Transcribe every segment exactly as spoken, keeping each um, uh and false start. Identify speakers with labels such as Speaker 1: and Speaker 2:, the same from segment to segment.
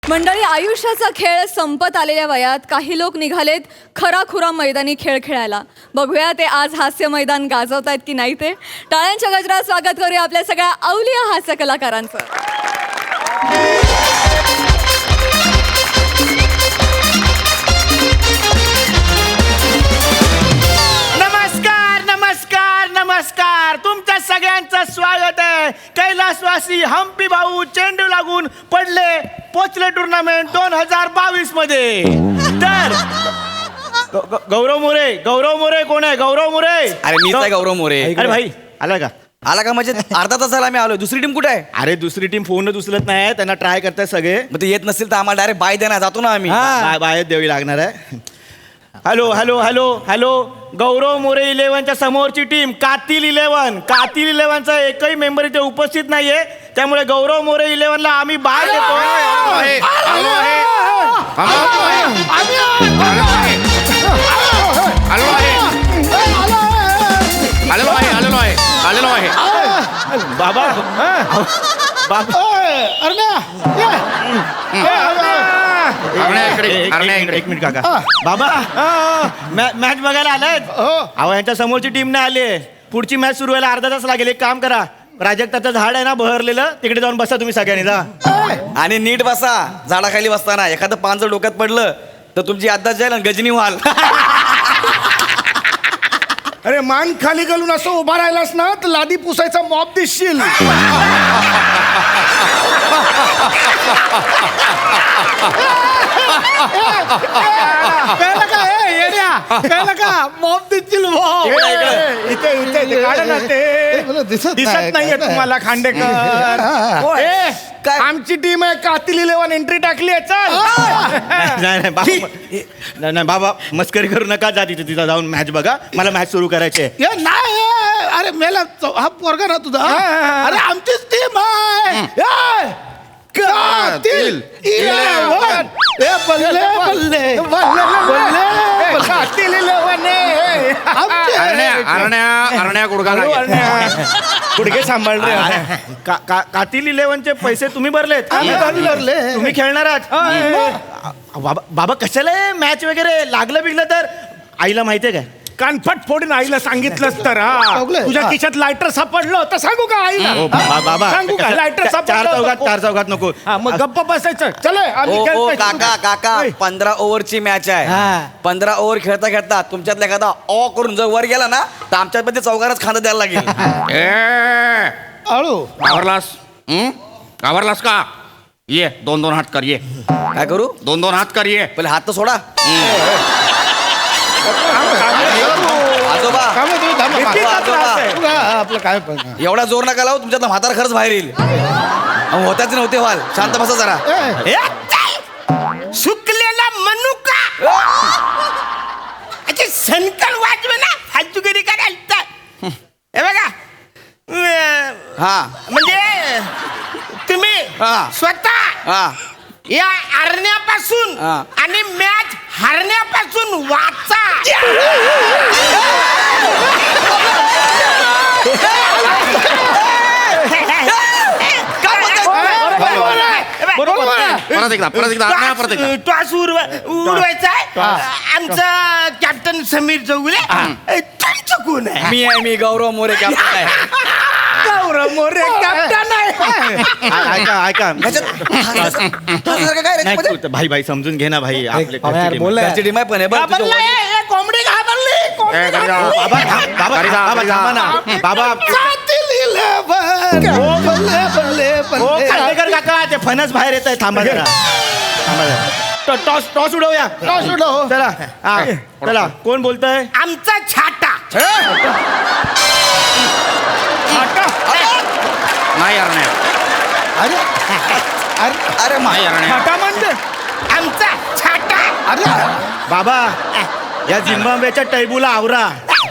Speaker 1: मंडळी, आयुष्याचा खेळ संपत आलेल्या वयात काही लोक निघालेत खराखुरा मैदानी खेळ खेळायला. बघूया ते आज हास्य मैदान गाजवतायत की नाही ते. टाळ्यांच्या गजरात स्वागत करूया आपल्या सगळ्या अवलिया हास्य कलाकारांचं.
Speaker 2: नमस्कार नमस्कार नमस्कार तुमच्या सगळ्यांचं स्वागत आहे. कैलासवासी हम्पी भाऊ चेंडू लागून पडले पोचले टुर्नामेंट दोन हजार बावीस मध्ये. तर ग- ग- गौरव मोरे गौरव मोरे कोण आहे? गौरव मोरे.
Speaker 3: अरे मीच आहे गौरव मोरे.
Speaker 2: अरे भाई आला का?
Speaker 3: आला का? म्हणजे अर्धा तासाला आम्ही आलो. दुसरी टीम कुठे आहे?
Speaker 2: अरे दुसरी टीम फोनच उचलत नाही, त्यांना ट्राय करताय सगळे.
Speaker 3: मग ते येत नसेल तर आम्हाला डायरेक्ट बाय द्या ना, जातो ना आम्ही.
Speaker 2: बा- बाहेर द्यावी लागणार आहे. Hello hello hello hello Gaurav More इलेव्हनच्या समोरची टीम कातील इलेव्हन. कातील इलेव्हनचा एकही मेंबर इथे उपस्थित नाहीये, त्यामुळे गौरव मोरे इलेव्हनला आम्ही बाय देतो.
Speaker 4: आलेलो आहे आलेलो आहे आलेलो आहे.
Speaker 2: बाबा बाबा
Speaker 4: अरण्या इकडे,
Speaker 2: एक-
Speaker 4: अरण्या
Speaker 2: एक-
Speaker 4: इकडे.
Speaker 2: एक मिनिट काका. बाबा मॅ- मॅच बघायला आलायत? अहो यांच्या समोरची टीम नाही आली. पुढची मॅच सुरू व्हायला अर्धा तास लागेल. एक काम करा, प्राजक्ताचं झाड आहे ना बहरलेलं, तिकडे जाऊन बसा तुम्ही सगळ्यांनी. जा
Speaker 3: आणि नीट बसा. झाडाखाली बसताना एखादं पान जर डोक्यात पडलं तर तुमची अद्दाच जाईल आणि गजनी व्हाल.
Speaker 5: अरे मान खाली घालून असं उभा राहिलास ना तर लादी पुसायचा मॉप दिसशील. कळलं का? ए, येड्या, कळलं का? मॉप दिसशील मॉप.
Speaker 3: इकडे, इकडे.
Speaker 5: इथे इथे इथे काढा ना ते. दिसत नाहीये तुम्हाला खांडेकर. ए,
Speaker 3: काय?
Speaker 5: आमची टीम आहे कातील इलेव्हन, एंट्री टाकली आहे. चल.
Speaker 2: नाही नाही बाबा नाही नाही बाबा मस्करी करू नका. जा तिथे तिथं जाऊन मॅच बघा. मला मॅच सुरू करायची आहे.
Speaker 5: ये नाही ए, अरे मेला चौ- हा पोरगा ना तुझा. अरे आमचीच टीम आहे. ए, कातील इलेव्हन. ए, बल्ले बल्ले बल्ले कातील इलेव्हन आहे. आमचे.
Speaker 4: अरण्या अरण्या अरण्या गुडघा
Speaker 5: हळू,
Speaker 4: लागेल.
Speaker 5: अरण्या. गुडघे सांभाळ रे.
Speaker 2: का- का- कातील इलेव्हनचे पैसे तुम्ही भरलेत?
Speaker 5: आम्ही भरले.
Speaker 2: तुम्ही खेळणार आहात? बाबा बाबा कशाला मॅच वगैरे लागलं बिगलं तर आईला माहितीये काय?
Speaker 5: कानफट फोडून आईला सांगितलंस तर हा. तुझ्या खिशात लायटर सापडलं तर सांगू का आईला?
Speaker 2: हो, बा- बाबा
Speaker 5: सांगू का? लायटर
Speaker 2: चा- चार
Speaker 5: सापडलं
Speaker 2: चौघात चार चौघात नको.
Speaker 5: हा, मग गप्प बसायचं. चल आम्ही
Speaker 3: ओ ओ
Speaker 5: खेळतोय.
Speaker 3: काका काका
Speaker 5: ओय.
Speaker 3: पंधरा ओव्हरची मॅच आहे. पंधरा ओव्हर खेळता खेळता तुमच्यातला एखादा ऑ करून जर वर गेला ना तर आमच्यात मध्ये चौघांनाच खांदा द्यायला लागेल.
Speaker 4: ए
Speaker 5: हळू.
Speaker 4: घाबरलास? हं? घाबरलास का? ये दोन दोन हात कर. ये
Speaker 3: काय करू?
Speaker 4: दोन दोन हात कर. ये
Speaker 3: पहिले हात तर सोडा. आजोबा
Speaker 5: काय म्हणतो? थांबा.
Speaker 3: बीपीचा
Speaker 5: आजोबा.
Speaker 3: त्रास आहे.
Speaker 5: तुला आपलं काय पण
Speaker 3: एवढा जोर नका लावू, तुमच्यातला म्हातारा खरंच बाहेर येईल. अहो, होत्याच नव्हते व्हाल. शांत बसा जरा.
Speaker 5: ए,
Speaker 2: सुकलेला मनुका अच्छा सनकल वाजवे ना फालतूगिरी करायला. हे बघा अं,
Speaker 3: हा
Speaker 2: म्हणजे तुम्ही
Speaker 3: हा.
Speaker 2: स्वतः
Speaker 3: हा
Speaker 2: या हरण्यापासून
Speaker 3: हा.
Speaker 2: आणि मॅच हरण्यापासून वाचा.
Speaker 5: बरोबर आहे.
Speaker 4: परत एकदा परत एकदा अरण्या परत एकदा.
Speaker 2: टॉस उडवायचा आहे. आमचा कॅप्टन समीर चौगुले. तुमचं कोण आहे?
Speaker 3: मी आहे मी गौरव मोरे कॅप्टन आहे.
Speaker 5: गौरव मोरे कॅप्टन आहे.
Speaker 2: ऐका ऐका
Speaker 3: ह्याच्यात हसायसारखं काय रे?
Speaker 2: नाही,
Speaker 3: म्हणजे
Speaker 2: तू- भाई भाई समजून घे ना भाई. आपले घरची team आहे.
Speaker 3: घरची टीम आहे पण हे बघ, तुझं
Speaker 2: घाबरला
Speaker 3: वडील-
Speaker 2: आहे, हे कोंबडी घाबरली. कोंबडी
Speaker 4: ए, घरी जा.
Speaker 2: घाबरली. बाबा थांब, बाबा
Speaker 4: घरी जा,
Speaker 2: थांब, बाबा
Speaker 4: घरी जा.
Speaker 2: थांबा ना. बाबा
Speaker 5: कातील इलेव्हन. बल्ले बल्ले
Speaker 2: हो
Speaker 5: बल्ले.
Speaker 2: खांडेकर काका ते फणस बाहेर येत आहे. थांबा जरा थांबा जरा. टॉ- टॉस टॉस उडवूया.
Speaker 5: टॉस उडव.
Speaker 2: चला हा, चला कोण बोलतोय? आमचा छाटा.
Speaker 4: नाही अरण्या
Speaker 5: अरे अरे
Speaker 3: अरे मा-
Speaker 4: नाही अरण्या.
Speaker 5: छाटा म्हणजे
Speaker 2: आमचा छाटा.
Speaker 5: अरे
Speaker 2: बाबा या झिम्बाब्वेच्या टैबूला आवरा.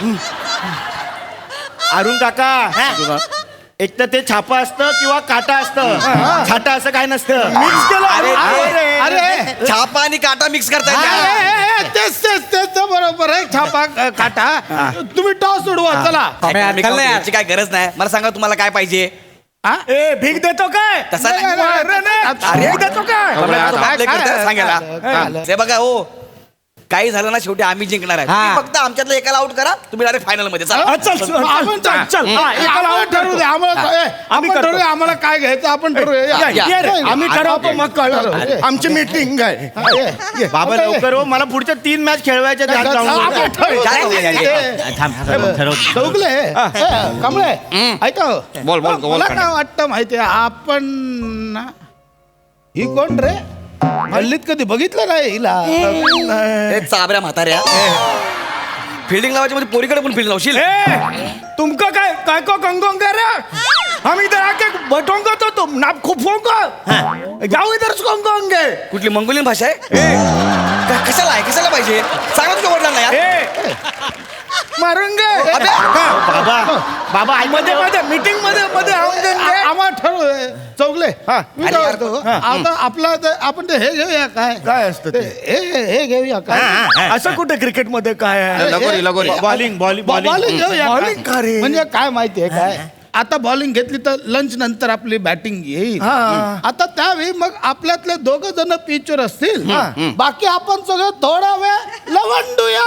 Speaker 2: अरुण काका एक तर ते छापा असतं किंवा काटा असतं. छाटा असं काय नसतं.
Speaker 5: मिक्स केलं.
Speaker 3: अरे,
Speaker 5: अरे अरे
Speaker 3: छापा आणि काटा मिक्स करताय
Speaker 5: ए,
Speaker 3: का?
Speaker 5: ए, ए, तेच तेच तेच बरोबर आहे. छापा अ, काटा. तुम्ही टॉस उडवा. चला
Speaker 3: मी काय म्हणतो, याची काय गरज नाही. मला सांगा तुम्हाला काय पाहिजे.
Speaker 5: हा?
Speaker 2: ए भीक देतो काय
Speaker 3: तसा
Speaker 5: नाही, नाही, नाही.
Speaker 2: अरे नाही.
Speaker 3: अरे.
Speaker 2: भीक देतो काय
Speaker 3: आपलं
Speaker 5: काय-
Speaker 3: आपलं
Speaker 5: काय-
Speaker 3: कीर्तन
Speaker 5: काय-
Speaker 3: सांगायला
Speaker 5: काय-
Speaker 3: हा. ते बघा हो काही झालं ना शेवटी आम्ही जिंकणार आहे तुम्ही फक्त आमच्यातलं एकाला आउट करा तुम्ही डायरेक्ट फायनल मध्ये चला.
Speaker 2: हा, चल चल,
Speaker 5: आपण
Speaker 2: चल चल हा, एकाला
Speaker 5: आम्हाला
Speaker 2: out
Speaker 5: ठरवू दे आम्हाला
Speaker 2: हा.
Speaker 5: ए,
Speaker 2: आम्ही
Speaker 5: आपण
Speaker 2: करतो.
Speaker 5: ठरवूया आम्हाला काय घ्यायचं आपण ठरवूया
Speaker 2: या,
Speaker 5: या.
Speaker 2: ये रे,
Speaker 5: या.
Speaker 2: आम्ही ठरवतो मग कळलं
Speaker 5: ठरव.
Speaker 2: आमची मीटिंग आहे
Speaker 5: हा, ये, ये.
Speaker 2: बाबा
Speaker 5: आता ये.
Speaker 2: लवकर हो मला पुढच्या तीन मॅच खेळवायच्या आहेत, आज जाऊन
Speaker 5: आपण
Speaker 2: बोलू.
Speaker 5: ठरवू.
Speaker 3: काय नाही, नाही,
Speaker 5: ए,
Speaker 2: थांब ठरव
Speaker 5: चौगले ए, कमळे ऐका हो.
Speaker 4: बोल, बोल, बोल,
Speaker 5: मला
Speaker 4: खंडे.
Speaker 5: काय वाटतं माहितीये आपण ना- ही कोण रे हल्लीत कधी बघितलं नाही हिला
Speaker 3: ए, चाबऱ्या म्हाताऱ्या फिल्डिंग लावायच्या मध्ये पोरीकडे पण फिल्डिंग लावशील
Speaker 2: ए तुमका काय काय को कंगोंग कर हम इधर आके बैठोंगे तो तुम नाप खूप फोंगे जाओ इधर से कंगोंगे
Speaker 3: कुठली मंगोलियन भाषा आहे का- कशाला आहे कशाला पाहिजे सांगा तुझ्या वडिलांना यार
Speaker 2: ए मारूंगे
Speaker 3: अबे.
Speaker 2: बाबा बाबा मध्ये मध्ये मीटिंग मध्ये मध्ये
Speaker 5: आ-
Speaker 2: आऊंगे
Speaker 5: आम्हाला ठरवू चौगले
Speaker 2: हा.
Speaker 5: मी
Speaker 3: अरे
Speaker 5: काय
Speaker 3: यार,
Speaker 5: म्हणतो,
Speaker 2: हा.
Speaker 5: आता आपला ते- आपण ते हे घेऊया काय
Speaker 2: काय असतं ते?
Speaker 5: हे हे घेऊया काय
Speaker 2: असं कुठे क्रिकेट मध्ये काय आहे
Speaker 4: लगोरी लगोरी
Speaker 2: बॉलिंग बॉलिंग
Speaker 5: बॉलिंग घेऊया
Speaker 2: बॉलिंग का रे?
Speaker 5: म्हणजे काय माहितीये काय आता बॉलिंग घेतली तर लंच नंतर आपली बॅटिंग येईल
Speaker 2: हा.
Speaker 5: आता त्यावेळी मग आपल्यातले दोघ जण पिचवर असतील बाकी आपण सगळं थोडा वेळ लवंडूया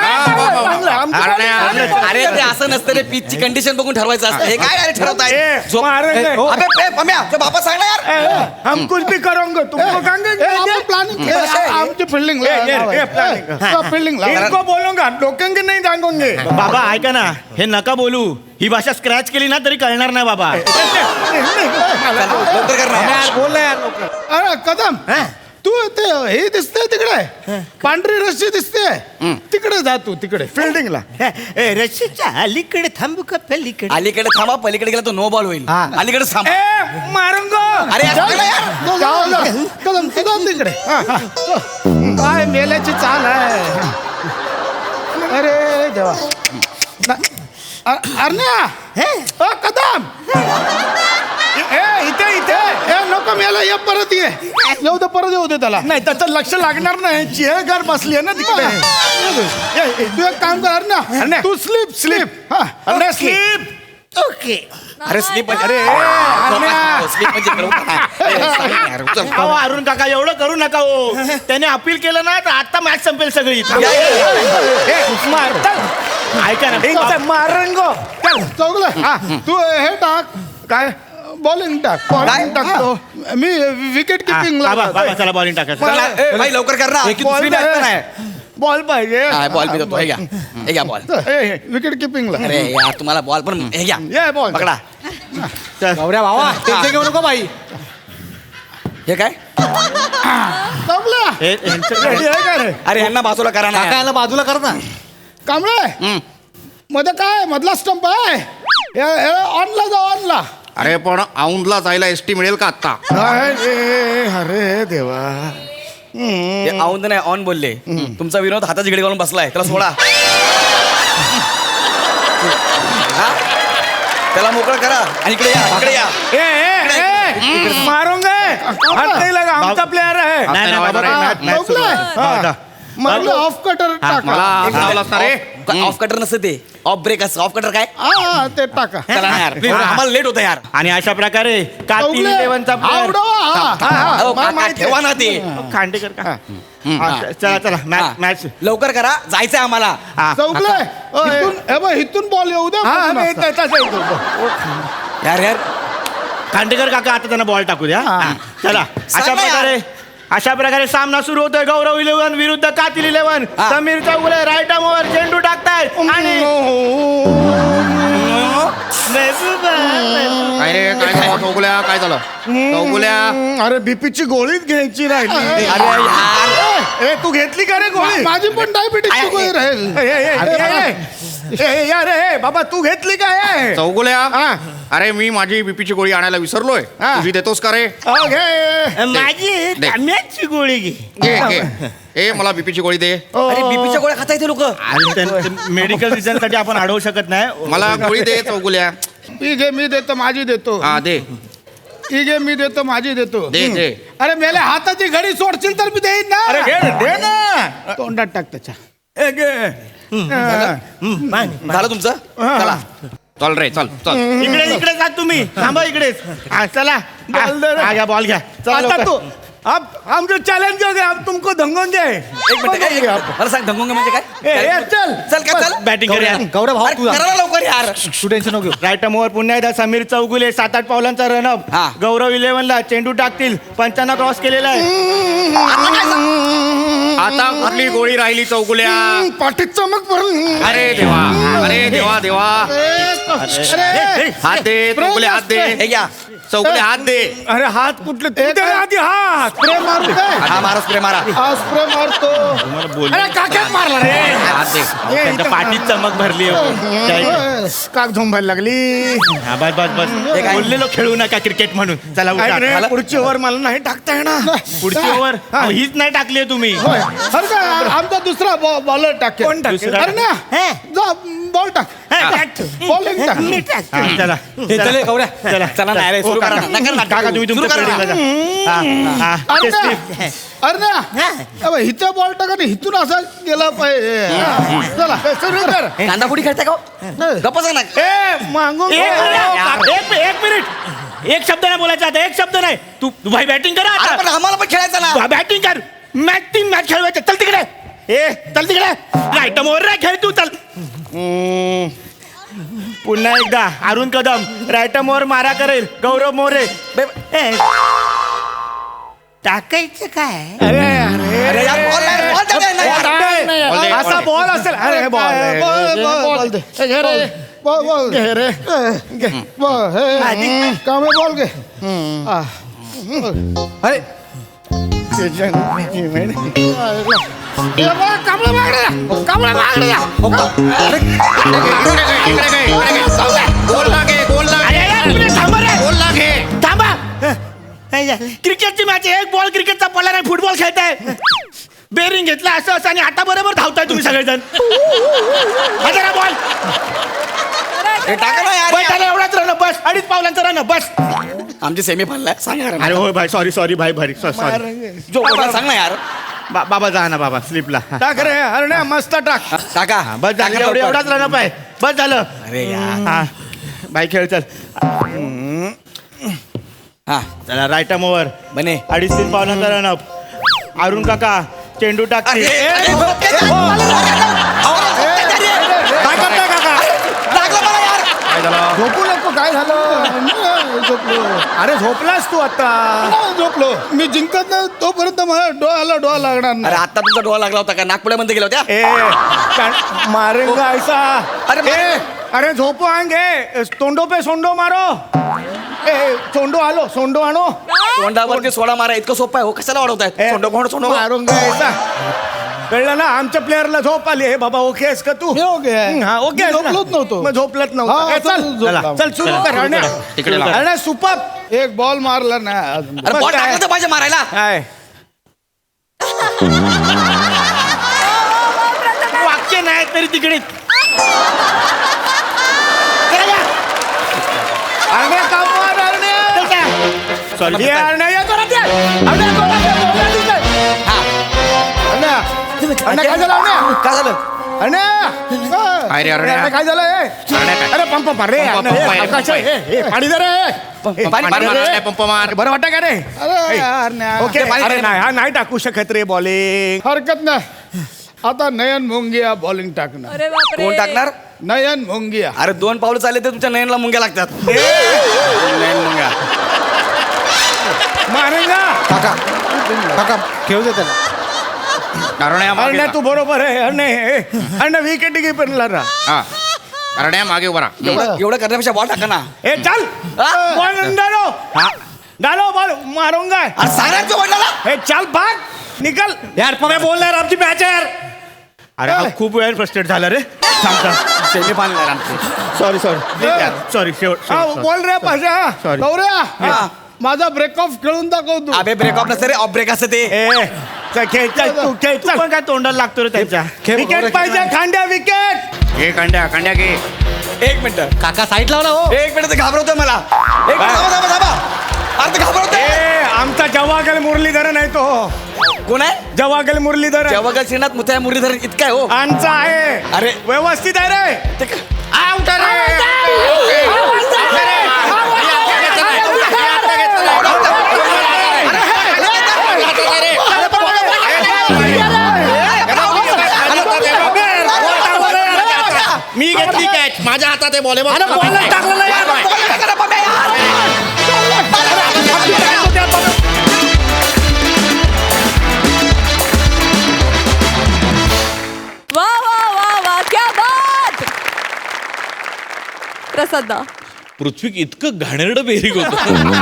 Speaker 3: अरे ते असं नसतं रे पिचची कंडिशन बघून ठरवायचं असतं हे काय अरे ठरवताय
Speaker 2: ए,
Speaker 3: झोप-
Speaker 2: मारेंगे.
Speaker 3: ए, अबे, ए, पम्या, तुझ्या बापा सांग ना यार
Speaker 2: हम कुछ भी करोगे तुमको कहेंगे
Speaker 5: प्लॅनिंग
Speaker 2: ए,
Speaker 5: आमची फिल्डिंग
Speaker 2: ए, ए, ए, planning.
Speaker 5: फिल्डिंग
Speaker 2: इनको बोलूंगा डोकेंगे नहीं जागोंगे बाबा ऐका ना हे नका बोलू ही भाषा स्क्रॅच केली ना तरी कळणार नाही बाबा
Speaker 3: लवकर कर ना
Speaker 2: बोल यार लवकर.
Speaker 5: अरे कदम तू ते हे दिसते तिकडे पांढरी रस्सी दिसते तिकडे जा तू तिकडे
Speaker 2: फिल्डिंगला रशीच्या अलीकडे थांबू का पलीकडे
Speaker 3: अलीकडे थांबा पलीकडे गेला तो नो बॉल होईल अलीकडे थांबा
Speaker 2: ए मारूंगो
Speaker 3: अरे यार, सांग ना यार
Speaker 5: जाऊ, जाऊ. कदम तू जा तिकडे काय मेल्याची चाल आहे अरे देवा ना- अ- अरण्या अ, कदम
Speaker 2: ए इथे इथे
Speaker 5: ए नको मेला ये परत ये येऊ दे परत येऊ दे त्याला
Speaker 2: नाही त्याचं लक्ष लागणार नाही चेअरगार बसली आहे ना तिकडे
Speaker 5: ए, ए, तू एक काम कर अरण्या
Speaker 2: अरण्या.
Speaker 5: तू स्लीप स्लीप हा
Speaker 2: अरे स्लीप ओके
Speaker 3: अरे स्लीप म्हणजे
Speaker 2: अरे अरण्या.
Speaker 3: स्लीप म्हणजे करू नका. ए, सांग ना यार, चल.
Speaker 2: अहो अरुण काका एवढं करू नका हो त्याने अपील केलं ना तर आता मॅच संपेल सगळी
Speaker 3: या, या, या.
Speaker 2: ए, मार चल. ऐका ना मारंगो चल
Speaker 5: चौगलं तू हे टाक
Speaker 2: काय
Speaker 5: बॉलिंग टाक
Speaker 3: काय?
Speaker 5: बॉलिंग टाकतो मी विकेट किपिंग
Speaker 2: बाबा बाबा चला बॉलिंग टाकायचं
Speaker 3: चला, ए, भाई लवकर कर ना की दुसरी match पण आहे
Speaker 2: बॉल पाहिजे
Speaker 3: हा, बॉल बी देतो हे घ्या हे घ्या बॉल
Speaker 5: विकेट किपिंगला
Speaker 3: अरे यार तुम्हाला बॉल पण हे घ्या
Speaker 2: ये बॉल
Speaker 3: पकडा
Speaker 2: बाबा
Speaker 3: घेऊ नको बाई हे काय
Speaker 5: चौगला
Speaker 2: रेडी आहे का रे
Speaker 3: अरे यांना बाजूला करा ना
Speaker 2: बाजूला कर ना
Speaker 5: कांबळे मध्ये काय मधला स्टंप आहे ऑनला जा ऑनला
Speaker 4: अरे पण औंधला जायला एसटी मिळेल का आता
Speaker 2: अरे देवा
Speaker 3: ते औंद नाही ऑन बोलले तुमचा विनोद हाताची घडी घालून बसलाय त्याला सोडा हा? त्याला मोकळं करा आणि इकडे या इकडे या
Speaker 2: ए ए ए मारूंगे हात नाही लगा आमचा प्लेअर आहे
Speaker 4: नाही, नाही, बाबा,
Speaker 2: match- match सुरू आहे.
Speaker 5: चौगला
Speaker 2: हा.
Speaker 5: मला ऑफ कटर
Speaker 4: मला
Speaker 5: टाका
Speaker 4: लावलं असतं रे
Speaker 3: ऑफ कटर नसतं ते ऑफ ब्रेक असतं ऑफ कटर काय
Speaker 5: हा ते टाका
Speaker 3: चला ना यार please, आम्हाला लेट होतं यार
Speaker 2: आणि अशा प्रकारे का तीन
Speaker 5: चौगले
Speaker 2: इलेव्हनचा player-
Speaker 5: आवडवा हा.
Speaker 2: हा, हा,
Speaker 3: अहो,
Speaker 2: मला
Speaker 3: काका,
Speaker 2: माहिती
Speaker 3: ठेवा ना ते
Speaker 2: आहे. खांडेकर का
Speaker 3: हा.
Speaker 2: हा, चला चला
Speaker 3: हा.
Speaker 2: मॅच मॅच
Speaker 3: लवकर करा जायचंय आम्हाला
Speaker 2: हा.
Speaker 5: चौगले इथून हे बघ, इथून बॉल येऊ द्या
Speaker 2: हा,
Speaker 5: बघून
Speaker 2: मी
Speaker 5: असं.
Speaker 2: त्याचाच येतो.
Speaker 3: यार यार
Speaker 2: खांडेकर काका आता त्यांना बॉल टाकू द्या हा. चला
Speaker 3: सांग
Speaker 2: अशा
Speaker 3: ना यार.
Speaker 2: प्रकारे अशा प्रकारे सामना सुरू होतोय गौरव इलेव्हन विरुद्ध कातील इलेव्हन
Speaker 3: हा.
Speaker 2: समीर चौगुले राईट आर्मवर चेंडू टाकतायत आणि
Speaker 4: काय रे काय झालं चौगुल्या काय झालं चौगुल्या
Speaker 2: अरे बीपीची गोळीच घ्यायची राहिली
Speaker 3: अरे यार
Speaker 2: ए तू घेतली का रे गोळी
Speaker 5: माझी पण डायबिटीस गोळी राहील
Speaker 2: ए, ए, ए, ए, ए, यार ए बाबा तू घेतली काय
Speaker 4: चौगुल्या
Speaker 2: हा.
Speaker 4: अरे मी माझी बीपीची गोळी आणायला विसरलोय
Speaker 2: हा.
Speaker 4: तुझी देतोस का रे
Speaker 2: घे माझी
Speaker 4: दे.
Speaker 2: तांब्याची गोळी घे
Speaker 4: घे घे ए मला बीपीची गोळी दे
Speaker 3: अरे बीपीच्या गोळ्या खाता येते लोक
Speaker 2: मेडिकल रिझन साठी आपण अडवू शकत नाही
Speaker 4: मला गोळी दे चौगुल्या
Speaker 5: ही घे मी देतो माझी देतो
Speaker 4: हा दे
Speaker 5: ही घे मी देतो माझी देतो
Speaker 4: दे दे
Speaker 5: अरे मेले हाताची घडी सोडशील तर मी देईन ना
Speaker 2: अरे घे दे ना
Speaker 5: तोंडात टाक त्याच्या
Speaker 2: ए, घे. हम्म,
Speaker 3: झालं तुमचं चला
Speaker 4: चल रे चल चल
Speaker 2: इकडे इकडे जा तुम्ही थांबा इकडेच हा, चला
Speaker 5: बॉल दे रे.
Speaker 2: हा, घ्या बॉल घ्या चला
Speaker 5: आता
Speaker 2: लवकर.
Speaker 5: तू अब हम जो चैलेंज हो गए अब तुमको धंगोंगे
Speaker 3: एक मिनिट एक मिनिट. मला सांग धंगोंगे म्हणजे
Speaker 5: ए, ए,
Speaker 3: काय
Speaker 5: चल
Speaker 3: चल का चल
Speaker 2: बॅटिंग करूया
Speaker 5: गौरव भाऊ
Speaker 3: अरे,
Speaker 5: तुझा
Speaker 3: करा ना लवकर यार
Speaker 5: तू टेन्शन नको घेऊ.
Speaker 2: राईट मोर पुन्हा एकदा समीर चौगुले सात आठ पावलांचा रनअप
Speaker 3: हा.
Speaker 2: गौरव इलेव्हनला चेंडू टाकतील पंचांना क्रॉस केलेला आहे
Speaker 4: आता कुठली गोळी राहिली चौगुल्या
Speaker 5: पाठीत चमक भरून
Speaker 4: अरे देवा अरे देवा देवा हात दे चौगुले हात दे
Speaker 3: हे घ्या
Speaker 4: चौगुले हात दे
Speaker 5: अरे हात कुठले तू दे रे आधी हात स्प्रे मारू काय
Speaker 3: हा मारा स्प्रे मारा
Speaker 5: हा स्प्रे मारतो अरे काक्यात मारला रे
Speaker 4: हात दे
Speaker 2: त्यांच्या पाठीत चमक भरली आहे.
Speaker 5: काक झोंबायला लागली
Speaker 2: हा, बस बस बस
Speaker 3: हे काय?
Speaker 2: बोललेलो खेळू नका क्रिकेट म्हणून चला
Speaker 5: ऐक
Speaker 2: उठा.
Speaker 5: रे,
Speaker 2: मला-
Speaker 5: पुढची ओव्हर मला नाही टाकता येणार
Speaker 2: पुढची ओव्हर
Speaker 5: हा.
Speaker 2: हीच नाही टाकली तुम्ही
Speaker 5: होय. अरे काय आमचा दुसरा बॉलर टाक
Speaker 2: कोण टाकेल?
Speaker 5: दुसरा अरे ना जा बॉल टाक बॉलिंग टाक
Speaker 2: हा, चला
Speaker 3: चले गौऱ्या
Speaker 2: चला
Speaker 3: चला नाही रे,
Speaker 2: हो,
Speaker 3: सुरू करा
Speaker 2: काका.
Speaker 3: ना. नका ना,
Speaker 2: काका तुम्ही
Speaker 3: सुरू
Speaker 2: तुमच्या
Speaker 3: करा ना.
Speaker 2: fieldingला जा. हा, हा,
Speaker 5: अरे
Speaker 2: ते
Speaker 5: ना
Speaker 2: slip.
Speaker 5: अरे ना अबे, इथं बॉल टाका आणि इथून असा गेला पाहिजे चला सुरू कर
Speaker 3: कांदा पुडी खेळता का गप्प सांग ना
Speaker 5: ए मागून
Speaker 2: एक
Speaker 5: घे.
Speaker 2: मिनिट, एक एक मिनिट एक शब्द नाही बोलायचा आता एक शब्द नाही तू तू भाई बॅटिंग करा
Speaker 3: अरे पण
Speaker 2: आता
Speaker 3: आम्हाला पण खेळायचं ना
Speaker 2: बॅटिंग कर मॅच तीन मॅच खेळवायचे चल तिकडे ए चल तिकडे राईट मोर रे खेळ तू चल हम्म. पुन्हा एकदा अरुण कदम राईट मोर मारा करेल गौरव मोरे ए, टाकायचं काय
Speaker 5: अरे अरे
Speaker 3: अरे यार बॉल नाही, बॉल नाही, नाही,
Speaker 5: बॉल
Speaker 3: नाही.
Speaker 5: नाही.
Speaker 4: बॉल दे, बॉल
Speaker 5: असा
Speaker 4: दे.
Speaker 5: बॉल असेल अरे बॉल
Speaker 2: काय,
Speaker 5: बॉल बॉल बॉल दे हे घे रे बॉल बॉल घे रे घे बॉल हे कामे बॉल घे आ. अरे कामळा मागडे कामळा मागडे
Speaker 4: इकडे घे, इकडे घे. जाऊ दे. गोल ना घे गोल ना
Speaker 2: अरे,
Speaker 4: घे.
Speaker 2: अरे, एक मिनिट थांबा रे.
Speaker 4: गोल ना घे
Speaker 2: थांबा क्रिकेटची मॅच एक बॉल क्रिकेटचा पडला नाही फुटबॉल खेळताय बेरिंग घेतला असं असं आणि आता बरोबर धावताय तुम्ही सगळेजण हा जरा बॉल
Speaker 3: हे टाका ना यार
Speaker 2: बैठाला एवढाच रन बस अडीच पावलांचा रन बस
Speaker 3: आमची सेमी फायनल सांगा यार.
Speaker 2: अरे होय भाई सॉरी सॉरी भाई भारी सॉरी
Speaker 3: जो बोलला सांग ना यार
Speaker 2: बाबा जा ना बाबा स्लिपला
Speaker 5: टाक रे अरे ना मस्त टाक
Speaker 3: टाका
Speaker 2: बस झालं
Speaker 3: टाका
Speaker 2: एवढं
Speaker 3: लवकर.
Speaker 2: एवढाच रन आहे बस झालं
Speaker 3: अरे यार
Speaker 2: हा बाई खेळ चल
Speaker 3: हा
Speaker 2: चला राईट ओव्हर
Speaker 3: बने
Speaker 2: अडीच तीन पावलांचा रन अप अरुण काका चेंडू टाकते
Speaker 3: अरे,
Speaker 2: ए,
Speaker 3: अरे,
Speaker 2: ए,
Speaker 3: काय
Speaker 2: करताय काका
Speaker 3: लागलं मला यार
Speaker 5: झोपू नको काय झालं नाही झोपलो अरे झोपलास तू आता नाही झोपलो मी जिंकत नाही तोपर्यंत मला डोळ्याला डोळा लागणार
Speaker 3: अरे
Speaker 5: नाही
Speaker 3: आता तुमचा डोळा लागला होता का नागपुड्यामध्ये गेला होत्या
Speaker 2: ए का- मारेंगा ऐसा
Speaker 3: अरे,
Speaker 5: ए, अरे झोपो आएंगे तोंडो पे सोंडो मारो ए सोंडो आलो सोंडो आणो
Speaker 3: तोंडावरती सोडा मारा इतकं सोपं आहे हो कशाला वाढवताय
Speaker 5: ए,
Speaker 3: सोंडो कोण सोंडो
Speaker 5: मारूंगा ऐसा कळलं ना आमच्या प्लेअरला झोप आली हे बाबा ओके आहेस का तू हं, हा ओके आहेस ना?
Speaker 6: झोपलोच नव्हतो.
Speaker 5: मग झोपलत
Speaker 6: हा,
Speaker 5: नव्हतं ए,
Speaker 6: चल,
Speaker 5: चल
Speaker 6: झोपला.
Speaker 5: चल सुरू कर अण्णा.
Speaker 4: तिकडे लाव.
Speaker 5: अण्णा सुपर
Speaker 6: एक बॉल मारला ना अजून.
Speaker 3: अरे बॉल
Speaker 5: काय?
Speaker 3: टाकलं तर पाहिजे मारायला
Speaker 5: काय
Speaker 2: वाक्य नाही तरी तिकडे
Speaker 5: अण्णा कामवार अण्णा
Speaker 2: सॉरी
Speaker 5: ये अण्णा ये जोरात ये. अण्णा जोरात ये, जोरात ये.
Speaker 3: हा
Speaker 5: अण्णा अण्णा काय झालं अण्णा
Speaker 3: काय झालं
Speaker 5: अण्णा
Speaker 4: काय रे, अण्णा?
Speaker 5: अण्णा, काय झालं ए?
Speaker 4: अण्णा काय?
Speaker 5: अरे पंप मार रे
Speaker 4: पंप,
Speaker 5: अण्णा,
Speaker 4: पंप,
Speaker 5: ए,
Speaker 4: पंप,
Speaker 5: आकाश,
Speaker 4: पंप.
Speaker 5: ए, ए, पाणी दे रे ए,
Speaker 3: पाणी,
Speaker 5: पाणी
Speaker 3: पाणी
Speaker 5: दे रे.
Speaker 4: मार, पंप मार.
Speaker 5: बरं वाटतं का रे
Speaker 6: अरे यार नाही.
Speaker 5: ओके
Speaker 3: पाणी
Speaker 5: अरे
Speaker 3: दे.
Speaker 5: नाही हा नाही टाकू शकत रे बॉलिंग
Speaker 6: हरकत नाही आता नयन मोंगिया बॉलिंग टाकणार
Speaker 1: अरे बापरे
Speaker 3: कोण टाकणार
Speaker 6: नयन मोंगिया
Speaker 3: अरे दोन पावलं चालले तर तुमच्या नयनला मुंग्या लागतात नयन मुंग्या
Speaker 5: मारेंगा
Speaker 6: काका काका खेळू दे त्याला
Speaker 4: करण्या मागे
Speaker 5: अण्णा
Speaker 4: जा.
Speaker 5: तू बरोबर आहे अण्णा ए, अण्णा विकेट कीपरला रा
Speaker 4: हा करण्या मागे उभा राहा.
Speaker 3: एवढं एवढं करण्यापेक्षा बॉल टाका ना
Speaker 5: ए चल
Speaker 3: हा?
Speaker 5: बॉल डालो डालो बॉल मारूंगा
Speaker 3: अरे सांगायचं वडिलाला
Speaker 5: ए चल भाग निकल यार पण बोल रहा आमची मॅच आहे यार
Speaker 2: अरे हा खूप वेळ फ्रस्ट्रेट झाला रे थांब थांब
Speaker 3: सेमी फायनल आमची
Speaker 2: सॉरी सॉरी सॉरी शेवट
Speaker 5: हा,
Speaker 2: शेवट,
Speaker 5: बोल रे पाशा
Speaker 2: Sorry.
Speaker 6: गौऱ्या
Speaker 3: हा.
Speaker 6: माझा ब्रेक ऑफ खेळून दाखव तू
Speaker 3: अबे ब्रेक ऑफ नसतं रे ऑफ ब्रेक असतं ते
Speaker 5: ए चल खेळ चल तू खेळ
Speaker 2: तू
Speaker 5: चल
Speaker 2: पण काय तोंडाला लागतो रे त्यांच्या
Speaker 5: विकेट पाहिजे खांड्या विकेट
Speaker 4: घे कांड्या कांड्या घे
Speaker 3: एक मिनिट
Speaker 5: काका साईड लावला हो
Speaker 3: एक मिनिट ते घाबरवतोय मला एक मिनिट थांबा थांबा थांबा अरे ते घाबरवतोय
Speaker 5: ए आमचा जवागल मुरलीधरन आहे तो
Speaker 3: कोण आहे
Speaker 2: जवागल मुरलीधर
Speaker 3: जवागल श्रीनाथ मुथ्या मुरलीधर इतका आहे हो
Speaker 2: आमचा आहे
Speaker 3: अरे
Speaker 2: व्यवस्थित आहे रे
Speaker 3: ते क-
Speaker 4: आउट मी घेतली कॅच माझ्या हातात आहे बॉल
Speaker 1: वा वा वा वा क्या बात प्रसाद दा
Speaker 7: पृथ्वीक इतकं घाणेरडं बेरीग होत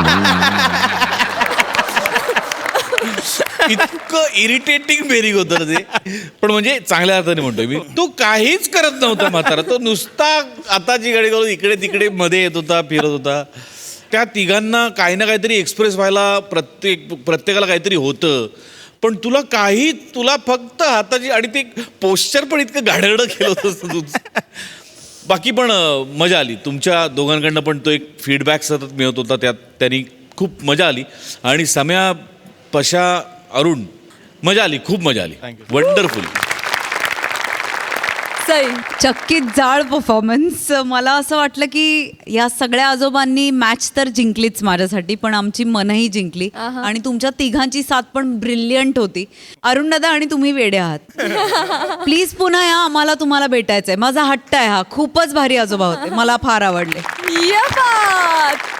Speaker 7: इतकं इरिटेटिंग बेरीग होतं ना ते पण म्हणजे चांगल्या अर्थाने म्हणतोय मी तो काहीच करत नव्हता म्हातारा तो नुसता आताची गाडी करून इकडे तिकडे मध्ये येत होता फिरत होता त्या तिघांना काही ना काहीतरी एक्सप्रेस व्हायला प्रत्येक प्रत्येकाला काहीतरी होतं पण तुला काही तुला फक्त हाताची आणि ते पोश्चर पण इतकं घाणेरडं केलं होतं तुझं बाकी पण अं, मजा आली तुमच्या दोघांकडनं पण तो एक फीडबॅक सतत मिळत होता त्यात त्यांनी खूप मजा आली आणि सम्या पशा अरुण मजा आली खूप मजा आली वंडरफुल
Speaker 1: सई
Speaker 8: चक्कीत जाळ परफॉर्मन्स मला असं वाटलं की या सगळ्या आजोबांनी मॅच तर जिंकलीच माझ्यासाठी पण आमची मनही जिंकली
Speaker 1: आहा.
Speaker 8: आणि तुमच्या तिघांची साथ पण ब्रिलियंट होती अरुण दादा आणि तुम्ही वेडे आहात प्लीज पुन्हा या आम्हाला तुम्हाला भेटायचंय माझा हट्ट आहे हा खूपच भारी आजोबा होते मला फार आवडले
Speaker 1: या बात